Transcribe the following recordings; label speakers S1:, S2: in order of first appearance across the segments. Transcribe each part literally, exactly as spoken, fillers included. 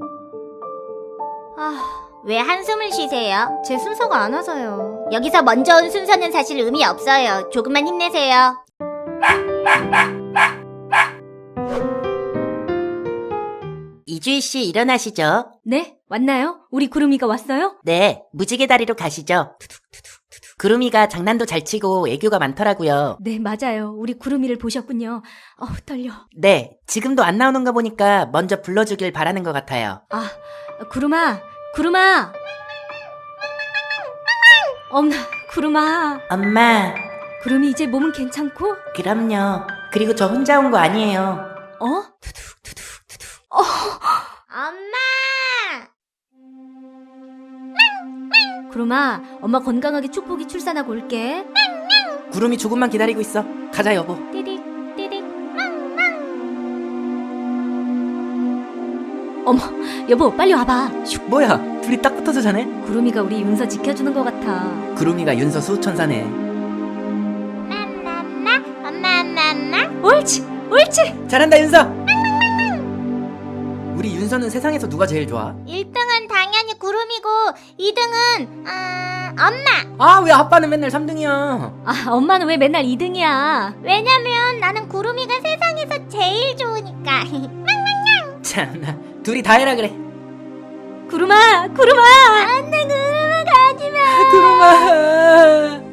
S1: 아, 왜 한숨을 쉬세요? 제 순서가 안 와서요. 여기서 먼저 온 순서는 사실 의미 없어요. 조금만 힘내세요.
S2: 이주희씨 일어나시죠.
S3: 네? 왔나요? 우리 구름이가 왔어요?
S2: 네, 무지개 다리로 가시죠. 구름이가 장난도 잘 치고 애교가 많더라고요.
S3: 네, 맞아요. 우리 구름이를 보셨군요. 어우, 떨려.
S2: 네, 지금도 안 나오는 거 보니까 먼저 불러주길 바라는 것 같아요.
S3: 아, 구름아, 구름아. 엄마, 구름아.
S2: 엄마,
S3: 구름이 이제 몸은 괜찮고?
S2: 그럼요. 그리고 저 혼자 온 거 아니에요.
S3: 어?
S1: 엄마!
S3: 구름아, 엄마 건강하게 축복이 출산하고 올게.
S2: 구름이 조금만 기다리고 있어. 가자, 여보.
S1: 띠릭, 띠릭.
S3: 어머, 여보, 빨리 와봐. 슉.
S2: 뭐야, 둘이 딱 붙어서 자네?
S3: 구름이가 우리 윤서 지켜주는 것 같아.
S2: 구름이가 윤서 수호천사네.
S1: 맘맘마, 엄마, 엄마, 엄마.
S3: 옳지, 옳지.
S2: 잘한다, 윤서! 우리 윤서는 세상에서 누가 제일 좋아?
S1: 일 등은 당연히 구름이고 이 등은 아, 엄마.
S2: 아, 왜 아빠는 맨날 삼 등이야?
S3: 아, 엄마는 왜 맨날 이 등이야?
S1: 왜냐면 나는 구름이가 세상에서 제일 좋으니까.
S2: 참나, 둘이 다 해라 그래.
S3: 구름아, 구름아.
S1: 안돼, 구름아 가지마.
S2: 구름아.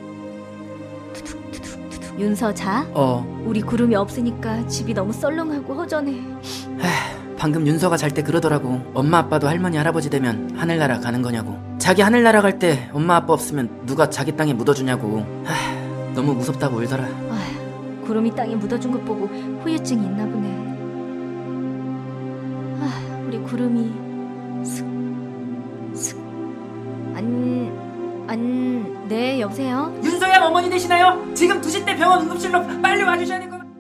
S3: 윤서 자.
S2: 어,
S3: 우리 구름이 없으니까 집이 너무 썰렁하고 허전해.
S2: 방금 윤서가 잘 때 그러더라고. 엄마 아빠도 할머니 할아버지 되면 하늘나라 가는 거냐고. 자기 하늘나라 갈 때 엄마 아빠 없으면 누가 자기 땅에 묻어주냐고. 하, 너무 무섭다고 울더라.
S3: 아휴, 구름이 땅에 묻어준 것 보고 후유증이 있나 보네. 아, 우리 구름이 슥, 슥. 안, 안, 네, 여보세요?
S2: 윤서양 어머니 되시나요? 지금 두 시 때 병원 응급실로 빨리 와주셔야 될 것 같아요.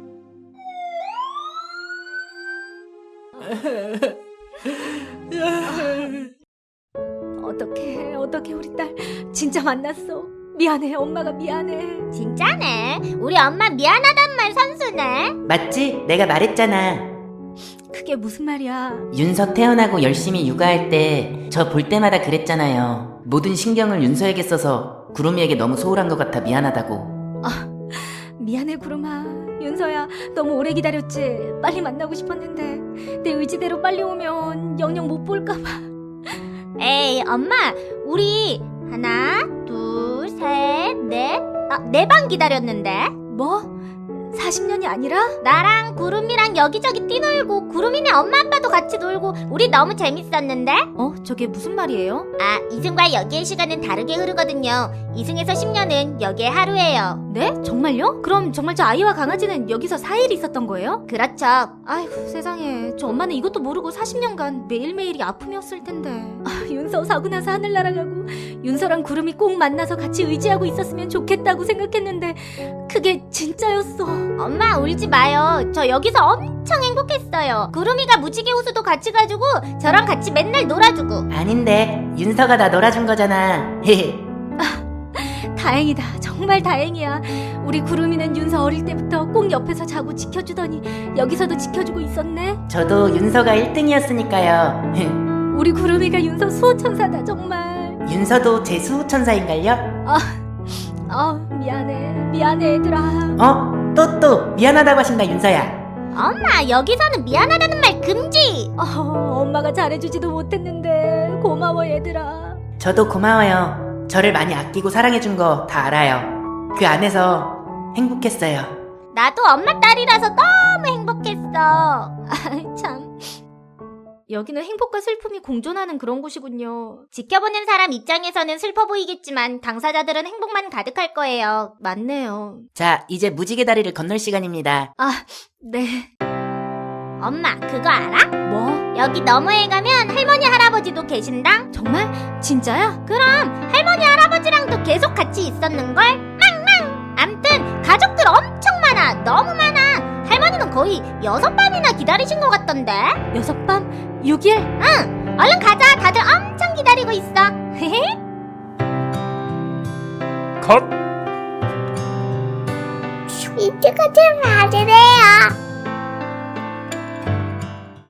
S3: 어떡해, 어떡해, 우리 딸 진짜 만났어. 미안해, 엄마가 미안해.
S1: 진짜네. 우리 엄마 미안하단 말 선수네.
S2: 맞지? 내가 말했잖아.
S3: 그게 무슨 말이야?
S2: 윤서 태어나고 열심히 육아할 때 저 볼 때마다 그랬잖아요. 모든 신경을 윤서에게 써서 구름이에게 너무 소홀한 것 같아 미안하다고.
S3: 미안해, 구름아. 윤서야, 너무 오래 기다렸지? 빨리 만나고 싶었는데 내 의지대로 빨리 오면 영영 못 볼까봐.
S1: 에이, 엄마, 우리 하나, 둘, 셋, 넷, 아, 네 방 기다렸는데.
S3: 뭐? 사십 년이 아니라?
S1: 나랑 구름이랑 여기저기 뛰놀고 구름이네 엄마 아빠도 같이 놀고 우리 너무 재밌었는데?
S3: 어? 저게 무슨 말이에요?
S1: 아, 이승과 여기의 시간은 다르게 흐르거든요. 이승에서 십 년은 여기의 하루예요.
S3: 네? 정말요? 그럼 정말 저 아이와 강아지는 여기서 사 일 있었던 거예요?
S1: 그렇죠.
S3: 아이고, 세상에. 저 엄마는 이것도 모르고 사십 년간 매일매일이 아픔이었을 텐데. 아, 윤서 사고 나서 하늘 날아가고 윤서랑 구름이 꼭 만나서 같이 의지하고 있었으면 좋겠다고 생각했는데 그게 진짜였어.
S1: 엄마, 울지 마요. 저 여기서 엄청 행복했어요. 구름이가 무지개 호수도 같이 가지고 저랑 같이 맨날 놀아주고.
S2: 아닌데 윤서가 나 놀아준 거잖아.
S3: 다행이다. 정말 다행이야. 우리 구름이는 윤서 어릴 때부터 꼭 옆에서 자고 지켜주더니 여기서도 지켜주고 있었네.
S2: 저도 윤서가 일 등이었으니까요.
S3: 우리 구름이가 윤서 수호천사다, 정말.
S2: 윤서도 제 수호천사인걸요?
S3: 아, 미안해. 미안해, 얘들아.
S2: 어? 또 또 미안하다고 하신다 윤서야.
S1: 엄마, 여기서는 미안하다는 말 금지.
S3: 어, 엄마가 잘해주지도 못했는데 고마워, 얘들아.
S2: 저도 고마워요. 저를 많이 아끼고 사랑해준 거 다 알아요. 그 안에서 행복했어요.
S1: 나도 엄마 딸이라서 너무 행복했어.
S3: 아이, 참. 여기는 행복과 슬픔이 공존하는 그런 곳이군요.
S1: 지켜보는 사람 입장에서는 슬퍼 보이겠지만 당사자들은 행복만 가득할 거예요.
S3: 맞네요.
S2: 자, 이제 무지개 다리를 건널 시간입니다.
S3: 아, 네.
S1: 엄마, 그거 알아?
S3: 뭐?
S1: 여기 너머에 가면 할머니 할아버지도 계신당?
S3: 정말? 진짜야?
S1: 그럼 할머니 할아버지랑도 계속 같이 있었는걸? 망망! 암튼 가족들 엄청 많아. 너무 많아. 할머니는 거의 여섯 밤이나 기다리신 것 같던데?
S3: 여섯 밤? 육 일?
S1: 응! 얼른 가자. 다들 엄청 기다리고 있어. 헤헤.
S4: 컷!
S1: 이쪽은 좀 봐주세요.